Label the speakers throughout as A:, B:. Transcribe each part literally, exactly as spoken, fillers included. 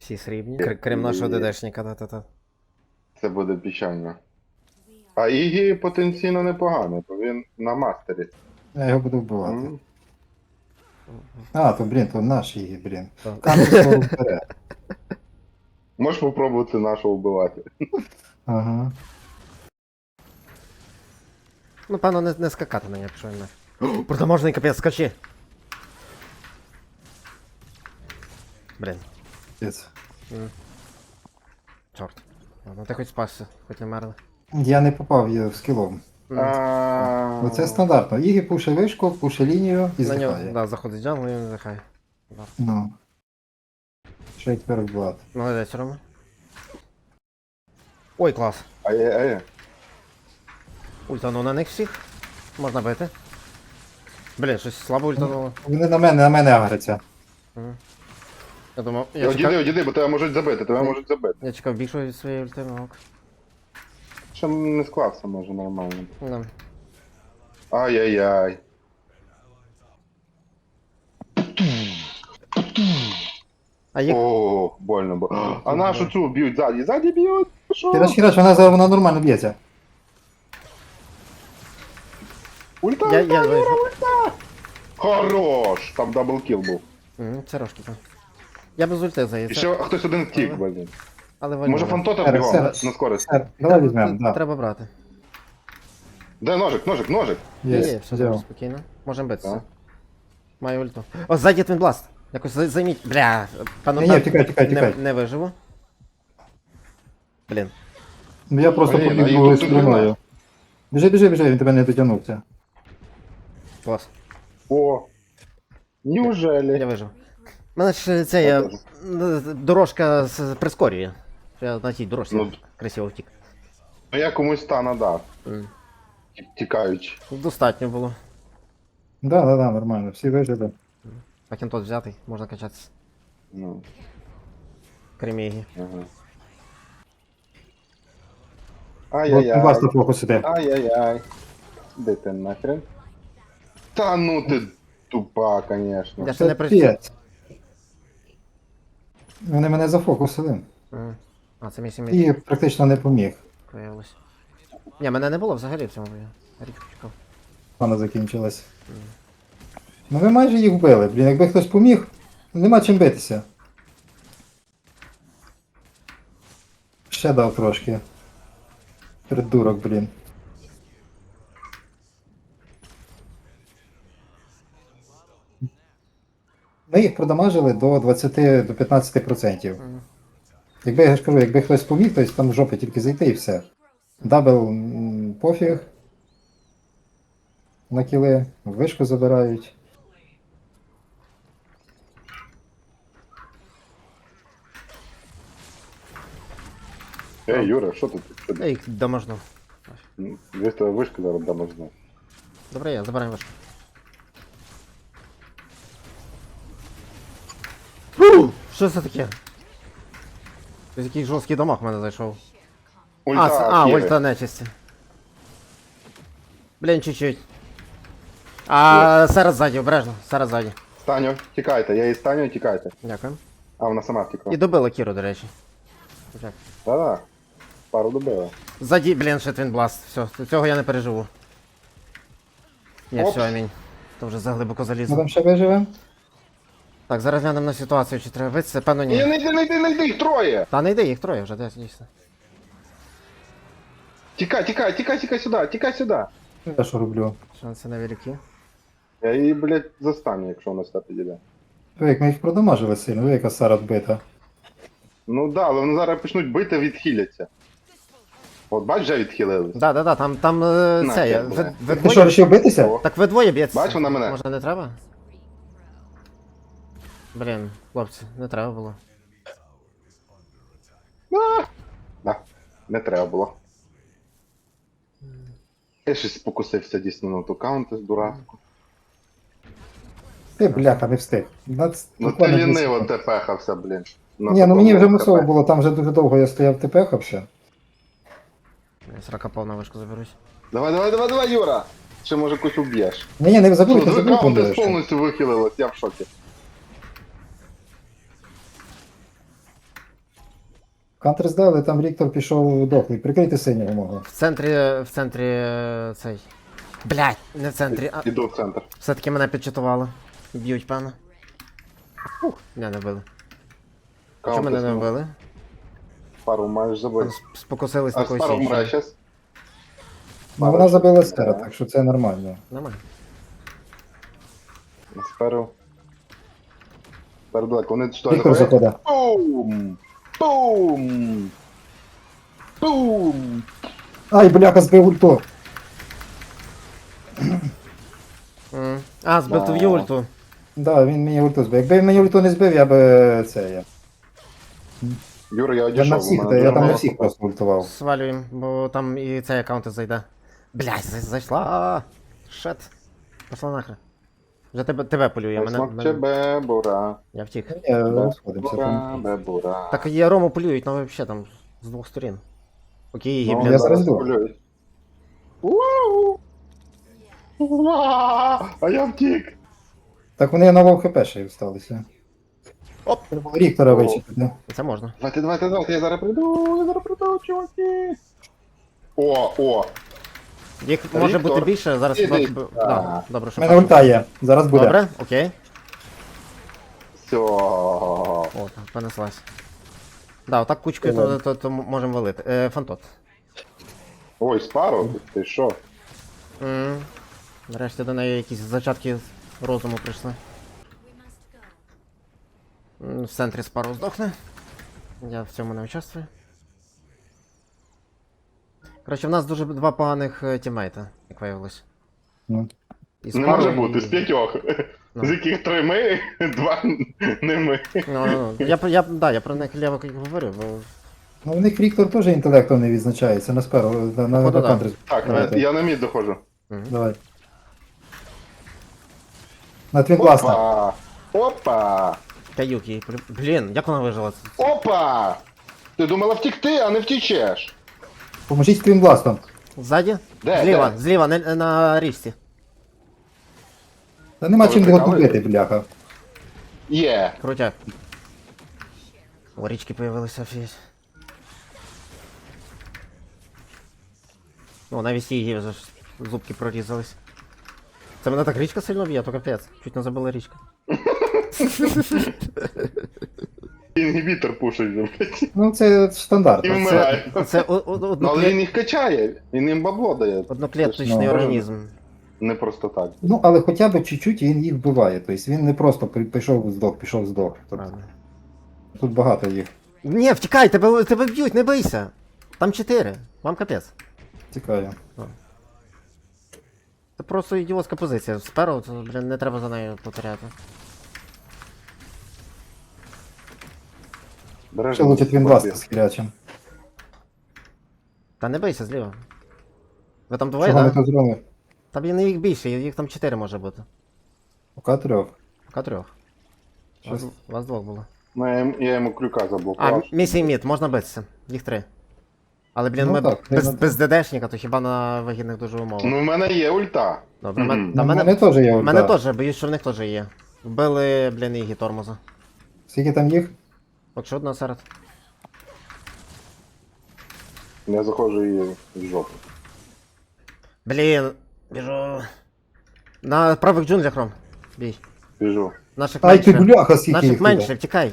A: Всі срібні. Кр- Крім нашого ДДшника, та-та-та.
B: Це буде печально. А Ігі потенційно непоганий, бо він на мастері.
C: Я його буду вбивати.
B: М.
C: А, то, блін, то наш її, блін.
A: Так.
C: Камінь слово вперед.
B: Можеш попробувати нашого вбивати.
C: Ага.
A: Ну, певно, не, не скакати на нього, якщо він не. Протоможний капець, скачи! Блін,
C: Пиць.
A: чорт. Ладно, ти хоч спасся, хоч не мерли.
C: Я не попав її скілом.
B: А,
C: Оце стандартно. Ігі пуше вишку, пуше лінію і
A: На нього,
C: здихає.
A: да, заходить джангл і він здихає.
C: Ну. Що й тепер вбивати?
A: Молодець, Рома. Ой, клас.
B: Ай-яй-яй.
A: Ультану на них всіх. Можна бити. Блін, щось слабо ультануло.
C: Вони на мене, на мене агряться.
A: Мгм. Я думав, я
B: Одійди,
A: чекав,
B: одійди, бо тебе можуть забити, тебе можуть забити.
A: я чекав більшого від своєї ульти, ну ок.
B: Ще не склався, може, нормально.
A: Да.
B: Ай-яй-яй.
A: А їх...
B: О, больно було. А нашу цю б'ють ззаді, ззаді б'ють. Що?
C: Хіраш, хіраш, вона зараз вона нормально б'ється.
B: Ульта,
A: Я,
B: ульта,
A: я
B: Юра,
A: вижу.
B: ульта. Хорош, там даблкіл був.
A: Мгм, це рожки там. Я без ульти
B: І
A: заїздив.
B: ще хтось один втік, блін.
A: Але вольно.
B: Може фантота
C: Сер,
B: бігом,
C: сер.
B: на скорості.
C: Сер, давай візьмемо, да.
A: Треба брати.
B: Де ножик, ножик, ножик?
A: Є,
C: Є,
A: є, все
C: взяв.
A: добре, спокійно. Можемо битися.
B: Так.
A: Маю ульту. О, ззаді твінбласт. Якось за- займіть. Бля, пану
C: Ні, ні, тікай, тікай,
A: не,
C: тікай.
A: не виживу. Блін.
C: Ну я просто
B: Блін, а
C: побіг
B: їх
C: другою
B: тут
C: стороною.
B: немає.
C: Біжи, біжи, біжи, він тебе не дотягнувся.
A: Клас.
B: О, неужели?
A: Я вижив. Мене ж це я...
B: Я теж.
A: дорожка з- прискорює. Я на тій дорожці
B: Ну.
A: красиво втік.
B: Ну я комусь та надав,
A: М.
B: тікаючи.
A: Достатньо було.
C: Да, да, да, нормально, всі вижили.
A: Пакентот взятий, можна качатися.
B: Ну,
A: Крім Ігі.
B: ага.
C: От
B: Ай-яй-яй.
C: вас на фокус іде.
B: Ай-яй-яй. Де ти нахрен? Та ну ти тупа, конечно.
A: Я ще не прийшов.
C: Капець. Вони мене зафокусили.
A: М. А, це мій сім'ї
C: І практично не поміг.
A: виявилось. Ні, мене не було взагалі в цьому бою. Річку чекав.
C: Вона закінчилась. Ну ви майже їх вбили, блін, якби хтось поміг, нема чим битися. Ще дав трошки. Придурок, блін. Ми їх продамажили до двадцяти до п'ятнадцяти відсотків.
A: Мгм.
C: Якби я ж кажу, якби хтось поміг, то там в жопи тільки зайти і все. Дабл м, пофіг. На кіли, вишку забирають.
B: Ей, Юра, що тут? Що
A: Я
B: ти?
A: їх доможну.
B: Десь тебе вишка зараз дамо знати.
A: Добре, я забираю вишку. Що це таке? Ось якийсь жорсткий дамаг в мене зайшов. А, це, а,
B: Кири.
A: ульта нечисті. Блін, чуть-чуть. А, зараз ззаді, обережно, зараз ззаді.
B: Станю, тікайте, я її станю, тікайте.
A: Дякую.
B: А, вона сама втекла.
A: І добила Кіру, до речі. Так.
B: Да-да. Пару добила.
A: Ззаді, блін, ще твінбласт. Все, цього я не переживу. Ні,
B: Оп.
A: все, амінь. То вже заглибоко
C: Ми
A: залізло.
C: там ще виживемо?
A: Так, зараз глянемо на ситуацію, чи треба битися, певно
B: Ні,
A: ні.
B: не йди, не йди, не йди, їх троє!
A: Та не йди, їх троє вже, десь дійсно.
B: Тікай, тікай, тікай, тікай сюди, тікай сюди.
C: Я що роблю?
A: Шанси невеликі.
B: Я її, блядь, застану, якщо вона сюди підійде.
C: Ви, як ми їх продамажили сильно, ви яка Сара вбита.
B: Ну да, але вони зараз почнуть бити, відхиляться. От бач, вже відхилились.
A: Да, да, да, там, там е,
B: На,
A: це, я,
B: я,
A: ви,
B: бля.
A: ви
C: Ти що,
A: двоє?
C: вирішив битися?
B: О.
A: Так ви двоє б'єтеся.
B: Бач, вона мене.
A: Може не треба? Блін, хлопці, не треба було.
B: А! Да, не треба було. Я щось спокусився дійсно на ту каунти з дурацьку.
C: Ти, бляха, не встиг. Нац-
B: Ну ти
C: буквально дві
B: ліниво
C: секунди.
B: тепехався, блін. На
C: Ні, ну мені вже
B: такому
C: мусово
B: КП.
C: було, там вже дуже довго я стояв тепехався.
A: Я срака повна вишку заберусь.
B: Давай, давай, давай, давай, Юра! Ще може когось уб'єш.
C: Ні, ні, не
B: Ну,
C: забудьте,
B: дві
C: забудьте.
B: каунти
C: лише.
B: повністю вихилилось, я в шокі.
C: Кантри здали, там Ріктор пішов дохлий. Прикрити синього мого.
A: В центрі, в центрі е, цей. Блять, не в центрі, а
B: Іду в центр.
A: все-таки мене підчитували. Б'ють, певно. Ух, не, не вбили. Чому мене не вбили?
B: Пару маєш забити.
A: Там сп- Спокусились на
B: А
A: когось
B: Спару вмре
A: іншого.
B: щас.
C: Ну вона забила стера, так що це нормально.
A: Нормально.
B: Сперу. Сперу далеко. Вони що, не
C: Ріктор
B: ходять?
C: заходить.
B: Бум! Бум! Бум!
C: Ай, бляха, збив ульту.
A: М. А, збив
B: Да.
A: твою ульту.
C: Да, він мені ульту збив. Якби він мені ульту не збив, я би це я.
B: Юра, я
C: Я
B: одійшов.
C: на
B: у
C: всіх,
B: мене
C: та, я
B: дуже
C: там на
B: мало
C: всіх
B: хп.
C: просто ультував.
A: Свалюємо, бо там і цей аккаунт зайде. Блять, зайшла. Шет. Пошла нахрен. Вже тебе, тебе полює, мене,
B: Смок
A: мене...
B: бебура.
A: Я втік.
C: Я розходимося
B: Бебура,
C: там.
B: бебура.
A: Так є Рому полюють, ну взагалі там з двох сторін. Окей,
B: Ну,
A: блін.
C: я зараз йду.
B: полюють. Ууу! Уа! А я втік.
C: Так вони на вов хп ще й осталися.
A: Оп.
C: Треба було Ріктора
B: О.
C: вичепити.
A: Це можна.
B: Давайте, давайте, давайте, я зараз прийду, я зараз прийду, чуваки. О, о,
A: Їх може
B: Віктор,
A: бути більше, зараз
B: іди.
A: двадцять б-
B: А.
A: Да, добре,
C: У
A: що
C: мене
A: бачу.
C: ульта є, зараз буде.
A: Добре, окей.
B: все.
A: О, так, понеслась. Да, отак кучкою то,
C: Давай.
A: то, то, можемо валити. Е, фантот.
B: Ой, спару, ти що?
A: М. Нарешті до неї якісь зачатки розуму прийшли. М, В центрі спару здохне. Я в цьому не участвую. Коротше, в нас дуже два поганих е, тімейта, як виявилось.
C: Ну.
A: І
B: Не
A: Спару,
B: може
A: і-
B: бути, з п'ятьох.
A: Ну.
B: З яких три ми, два не ми.
A: Ну, ну, ну. Я, про- я, да, я про них ліво говорю, бо
C: Ну у них Ріктор теж інтелектом не відзначається на сперу, на, на,
A: Походу,
C: на
A: да.
C: Кантри.
B: Так,
C: Давайте.
B: я на мід доходжу.
C: Давай. На твін класно.
B: Опа! Опа!
A: каюк їй. полю- Блін, як вона вижила?
B: Опа! Ти думала втікти, а не втічеш.
C: Поможіть твін бластом.
A: Ззаді?
B: Де,
A: Зліва,
B: де?
A: зліва, не, на річці.
C: Та нема
B: Ви
C: чим його
B: прикалуєтесь?
C: купити, бляха.
B: Є.
A: Крутяк. О, річки появилися, офігеть. О, навіть її вже ж зубки прорізались. Це мене так річка сильно б'є, то капець. Чуть не забила річка.
B: Інгібітор пушить, блядь.
C: Ну це
B: І
C: стандартно.
B: вмирає.
A: Це о- о-
B: Ну, але
A: одноклет...
B: він їх качає, він їм бабло дає.
A: одноклеточний
C: Ну,
A: організм.
B: Не просто так.
C: Ну, але хоча б чуть-чуть він їх вбиває. Тобто він не просто при- пішов здох, пішов здох. Тобто,
A: Правда.
C: тут багато їх.
A: Ні, втікай, тебе, тебе б'ють, не бийся. Там чотири, вам капець.
C: Цікаво.
A: Це просто ідіотська позиція. Сперу, то, блін, не треба за нею повторяти.
B: Береш.
C: Ще лучше твін бласт з хірячим.
A: Та не бийся зліва. Ви там двоє,
C: Чого ми
A: так? Да?
C: тут зробили?
A: Та блін, їх більше, їх там чотири може бути.
C: Пока трьох.
A: Пока трьох. Вас,
C: Щось.
A: вас двох було.
B: Ну, я, йому- я йому крюка
A: А,
B: заблокував.
A: місій мід, можна битися. Їх три. Але, блін,
C: Ну
A: ми
C: так,
A: без,
C: треба-
A: без ДДшника, то хіба на вигідних дуже умовах.
B: Ну, в мене є ульта.
A: Добре,
B: мгм.
A: мен,
C: Ну,
A: на
C: в
A: мене,
C: мене теж є
A: в
C: ульта.
A: мене теж, боюсь, що в них теж є. Вбили, блін, її тормоза.
C: Скільки там їх?
A: От що одна серед.
B: Я заходжу її в жопу.
A: Блін, біжу. На правих джунглях, Ром. Бій.
B: Біжу.
A: Наших
C: Ай ти
A: менше.
C: бляха, скільки
A: Наших
C: їх
A: менше,
C: туди.
A: втікай.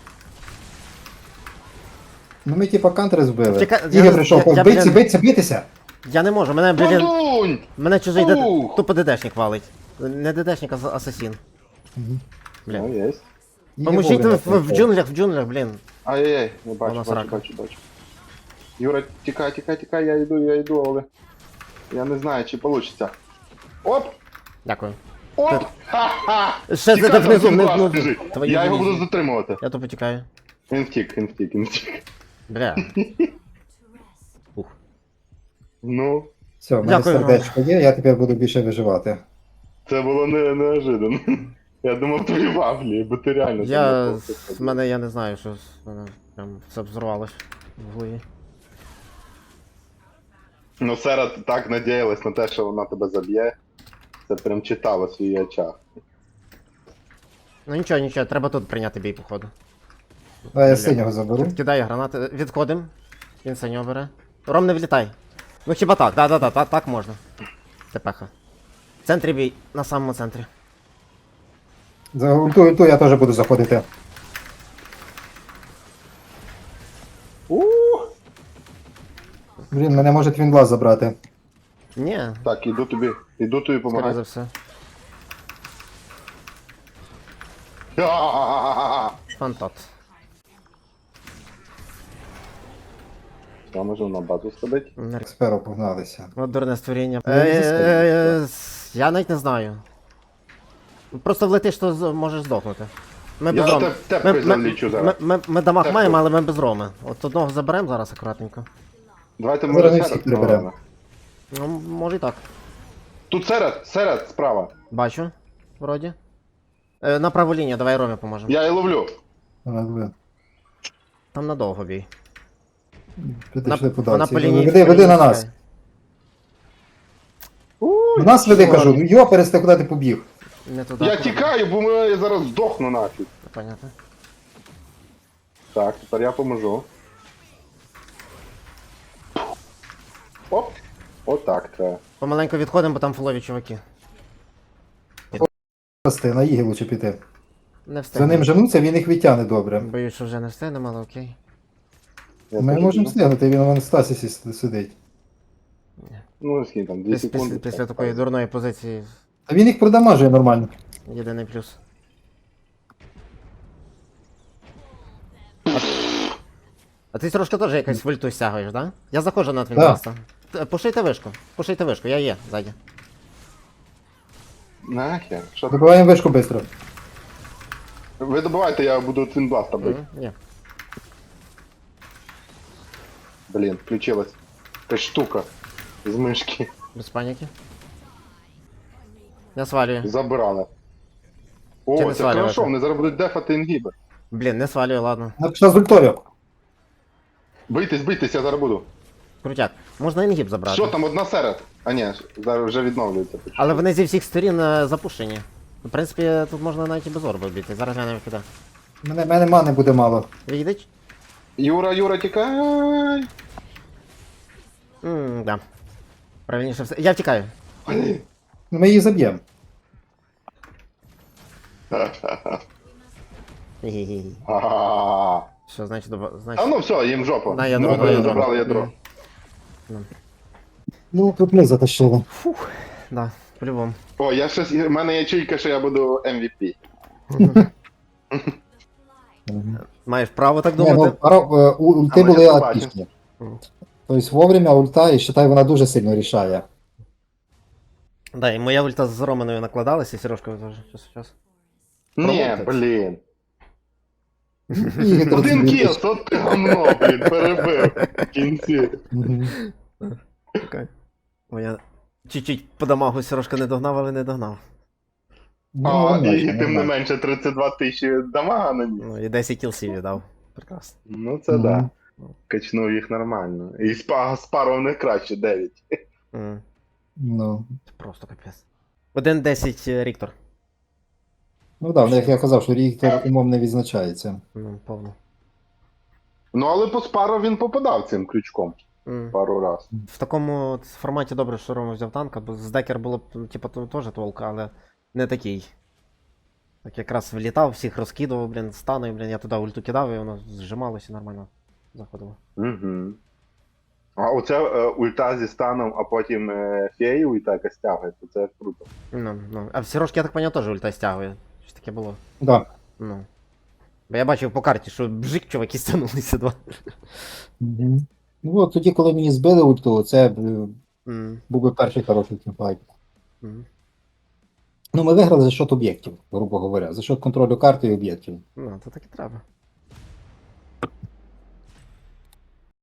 C: Ну ми типа кантри збили.
A: Втікай-
C: Ігор
A: я-
C: прийшов,
A: я- я,
C: биться,
A: блін-
C: биться, битися.
A: Я не можу, мене, блін,
B: Подунь!
A: мене чужий ДД...
B: Ух!
A: тупо ДДшник валить. Не ДДшник, а з- асасін.
C: Мгм.
A: Блін.
B: Ну, є.
C: Ігор
A: Поможіть
C: вовремя
A: в, в
C: прийшов.
A: джунглях, в джунглях, блін.
B: Ай-яй-яй, не бачу,
A: Вона
B: бачу,
A: срака.
B: бачу, бачу. Юра, тікай, тікай, тікай, я йду, я йду, але... Я не знаю, чи вийде. Оп!
A: Дякую.
B: Оп! Ха-ха!
A: Ще
B: Тікай,
A: де внизу,
B: там
A: внизу,
B: клас
A: внизу.
B: лежить.
A: Твою
B: Я його
A: дивізію.
B: буду затримувати.
A: Я тупо тікаю.
B: Він втік, він втік, він втік.
A: Бля. Ух.
B: Ну,
C: Все, в мене
A: Дякую,
C: сердечко є, я тепер буду більше виживати.
B: це було не, неожиданно. Я думав, твої вафлі, бо ти реально... там
A: Я...
B: не просто
A: З мене, я не знаю, що з мене прям все взорвалось в голові.
B: Ну, Сера так надіялась на те, що вона тебе заб'є. Це прям читалось в її очах.
A: Ну нічого, нічого, треба тут прийняти бій, походу.
C: Давай я
A: Бля.
C: синього заберу.
A: Кидає гранати. Відходим. Він синього бере. Ром, не влітай. Ну хіба так, да-да-да, так, так можна. Тепеха. В центрі бій, на самому центрі.
C: За ульту, ульту я теж буду заходити.
B: Ух!
C: Блін, мене може твінглаз забрати.
A: Ні,
B: Так, іду тобі, іду тобі
A: скоріше
B: помагати.
A: за все. Фантот.
B: Я можу на базу сходити.
C: Сперу погналися.
A: От дурне створіння.
C: Ну, не
A: Е,
C: застрелюй,
A: е, е, с- Я навіть не знаю. Просто влетиш, то з- можеш здохнути. Ми
B: Я
A: без роми.
B: теп- тепкою залічу зараз.
A: Ми, ми, ми дамаг
B: Тепкою.
A: маємо, але ми без роми. От одного заберемо зараз акуратненько.
B: Давайте
C: Зараз
B: може
C: не
B: серед
C: всіх переберемо.
B: провалимо.
A: Ну, може і так.
B: Тут серед, серед, справа.
A: Бачу. Вроді. Е, на праву лінію, давай Ромі поможемо.
B: Я і ловлю.
C: Вона ви-
A: Там надовго бій.
C: Підійшли
A: Вона
C: подальці.
A: по лінії.
C: Веди,
A: по
C: веди
A: лінії
C: на нас.
A: стріляє.
C: На нас веди,
B: що?
C: кажу. Ну йопересте, куди ти побіг?
A: Не туди.
B: Я
A: туди.
B: тікаю, бо ми- я зараз здохну нафіг.
A: Понятно.
B: Так, тепер я поможу. Оп. Отак треба.
A: Помаленьку відходимо, бо там фулові чуваки.
C: Прости, на їги лучше піти.
A: Не
C: За
A: встигнемо.
C: ним женуться, він їх відтягне добре.
A: Боюсь, що вже не встигнемо, але окей.
B: Я
C: Ми
B: теж
C: можемо
B: біжу.
C: встигнути, він вон в стасісі с- сидить.
B: Ну, скільки там, дві
A: Піс-
B: секунди.
A: Після, після
B: так,
A: такої
B: так.
A: дурної позиції
C: А він їх продамажує нормально.
A: єдиний плюс. А ти трошки теж якось вольту стягуєш, да? Я заходжу на твінкаста. Пушийте вишку, пушийте вишку, я є ззаді.
B: Нахер. Що?
C: Добиваємо вишку швидко.
B: Ви добивайте, я буду твінбласта бити.
A: Мгм, Є.
B: Блін, включилась. Якась штука з мишки.
A: Без паніки. Я свалюю.
B: Забирали.
A: Чи
B: О,
A: не
B: це
A: свалювати?
B: хорошо, вони зараз будуть дефати інгіби.
A: Блін, не свалюю, ладно.
C: Вона пішла з ультою.
B: Бийтесь, бийтесь, я зараз буду.
A: Крутяк. Можна інгіб забрати.
B: Що там, одна серед? А ні, зараз вже відновлюється.
A: Але вони зі всіх сторін е, запущені. В принципі, тут можна навіть і без орби вбити. Зараз глянемо куди.
C: Мене, мене мани буде мало.
A: Відійдіть?
B: Юра, Юра, тікай!
A: Ммм, да. Правильніше все. Я втікаю.
B: Блін.
C: Ну, ми її заб'ємо.
A: Гі-гі-гі.
B: А
A: Що, значить, доба- значить.
B: А ну все, їм жопа.
A: На ядро,
B: Ми
A: на ядро.
B: забрали ядро.
C: Ну, тут ми затащили.
A: Да, по-любому.
B: О, я щось, в мене є чуйка, що я буду ем ві пі.
A: Маєш право так
C: Ні, ну,
A: думати.
C: пара- е, у- ульти
B: А ми
C: були
B: ще побачимо.
C: отлічні.
A: Мгм.
C: Тобто вовремя ульта, і вважай, вона дуже сильно рішає.
A: Да, і моя ульта з Романою накладалася, і Сережка теж. Час, час.
B: Ні,
A: Промовтець.
B: блін.
C: І
B: Один
C: тут-
B: кіл, то ти гамно, блін, перебив в кінці.
C: Мгм.
A: Окей. Моя чуть-чуть по дамагу Сережка не догнав, але не догнав.
C: Ну,
B: А,
C: нормально,
B: і тим не
C: нормально.
B: менше тридцять два тисячі дамага на ній.
A: Ну і десять кілсів віддав. Прекрасно.
B: Ну це
C: Мгм.
B: да. Качнув їх нормально. І з па- з пару в них краще, дев'ять.
A: М,
C: Ну,
A: Це просто капець. один десять Ріктор.
C: ну так, як я казав, що Ріктор умом не відзначається.
A: Ну, повно.
B: Ну але по спару він попадав цим крючком
A: М.
B: пару раз.
A: В такому от форматі добре, що Рома взяв танка, бо з декер було б, ну, типу, то- теж толк, але не такий. Так якраз влітав, всіх розкидував, блін, станою, блін, я туди ульту кидав, і воно зжималося і нормально заходило.
B: Угу. А оце е, ульта зі станом, а потім е, феї ульта якась тягає, то це круто.
A: Ну, ну. А в Сірошки, я так поняв, теж ульта стягує. Щось таке було.
C: Да.
A: Ну. Бо я бачив по карті, що бжик, чуваки стягнулися два.
C: Мгм. Ну от тоді, коли мені збили ульту, це б, е,
A: М,
C: був би перший хороший тімфайт.
A: м.
C: Ну, ми виграли за счет об'єктів, грубо говоря, за счет контролю карти і об'єктів.
A: Ну, то так і треба.